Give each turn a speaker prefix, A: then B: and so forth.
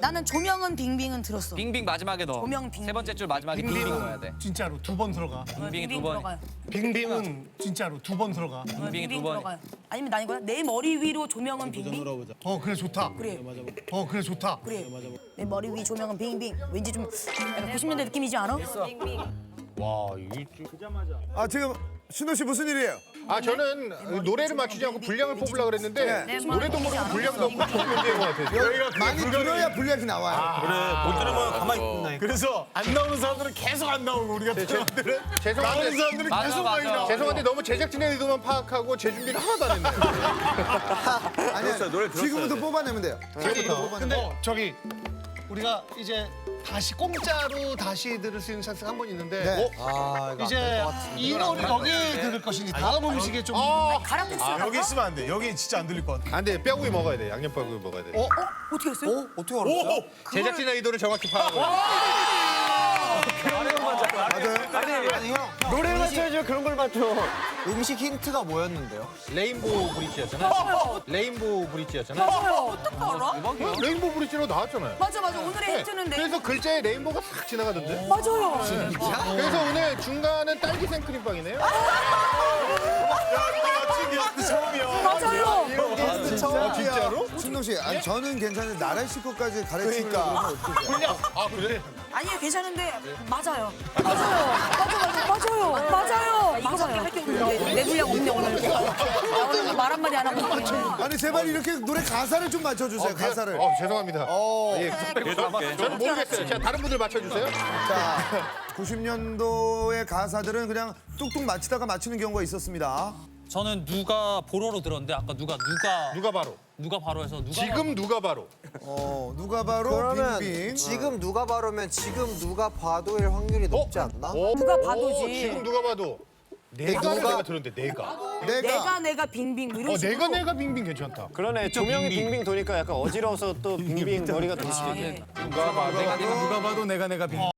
A: 나는 조명은 빙빙은 들었어.
B: 빙빙 마지막에 넣어.
A: 조명 빙빙.
B: 세 번째 줄 마지막에 빙빙 넣어야 돼.
C: 진짜로 2번 들어가.
B: 빙빙이 두
A: 빙빙
B: 번.
A: 들어가요.
C: 빙빙은 진짜로 2번 들어가.
B: 빙빙이 두
A: 빙빙
B: 번.
A: 들어가요. 아니면 나 이거야. 내 머리 위로 조명은 빙빙.
C: 그래 좋다.
A: 그래.
C: 그래 좋다.
A: 그래. 내 머리 위 조명은 빙빙. 왠지 좀 약간 90년대 느낌이지 않아?
D: 아 지금 신호 씨 무슨 일이에요?
E: 아 저는 노래를 맞추지 않고 분량을 뽑으려고 그랬는데 노래도 모르고 분량도 없고 좋은 문제인 것 같아요.
D: 많이 들어야 분량이 나와요.
F: 못 들으면 가만히 있나.
C: 그래서 안 나오는 사람들은 계속 안 나오고 우리 같은 사람들은 나오는
E: 죄송한데
C: 사람들은
B: 맞아,
C: 계속
B: 맞아.
C: 많이 나와.
E: 죄송한데 너무 제작진의 의도만 파악하고 제 준비를 하나도 안 했네요.
D: 아니야
F: 노래 들었어야
D: 지금부터
F: 돼.
D: 뽑아내면 돼요. 지금부터 뽑아내면
C: 근데 저기 우리가 이제 다시 공짜로 다시 들을 수 있는 찬스가 한 번 있는데
D: 네.
C: 이제 이 노래 여기에 들을 것인지 다음 음식에 좀
A: 가락국수.
F: 여기 있으면 안 돼. 여기 진짜 안 들릴 것 같아.
E: 안 돼, 뼈구이 먹어야 돼. 양념 뼈구이 먹어야 돼.
A: 어떻게 했어요?
D: 어떻게 알았어요?
E: 제작진의 의도를 정확히 파악하고.
D: 아니 형
F: 노래 맞춰야죠. 그런 걸 맞춰.
D: 음식 힌트가 뭐였는데요?
E: 레인보우 브릿지였잖아. 레인보우 브릿지였잖아.
A: 어떻게 알아?
E: 레인보우 브릿지로 나왔잖아요.
A: 맞아 맞아. 오늘의 힌트는 내.
E: 그래서 글자에 레인보우가 싹 지나가던데.
A: 맞아요.
E: 그래서 오늘 중간은 딸기 생크림빵이네요.
A: 맞아요.
D: 게스트 처음이야.
E: 진짜로?
D: 신동 씨, 아니 저는 괜찮은데 나래 씨 것까지 가르치는 그러니까. 어떡해?
E: 아 그래?
A: 아니에요 괜찮은데 맞아요. 맞아요. 맞아요. 이거밖에 할 게 없는데 내 분량 없네 오늘. 나 오늘 말 한마디 안 하고 있네.
D: 아니 제발 이렇게 노래 가사를 좀 맞춰주세요. 가사를.
E: 죄송합니다. 예, 저는 모르겠어요. 자, 다른 분들 맞춰주세요.
D: 자, 90년도의 가사들은 그냥 뚝뚝 맞히다가 맞히는 경우가 있었습니다.
G: 저는 누가 보러로 들었는데 아까
E: 누가 바로?
G: 누가 바로 해서 누가
E: 지금 누가 바로?
D: 누가 바로
H: 그러면
D: 빙빙.
H: 지금 누가 봐도면 지금 누가 봐도일 확률이 높지 않나?
A: 누가 봐도지.
E: 지금 누가 봐도. 내가 들었는데 내가.
A: 내가 빙빙 뭐 이런 식으로.
E: 내가 빙빙 괜찮다.
F: 그러네. 조명이 빙빙 도니까 약간 어지러워서 또 빙빙 머리가 돌 수도 있겠다.
A: 예.
B: 누가 봐. 내가
F: 누가 봐도 내가 빙.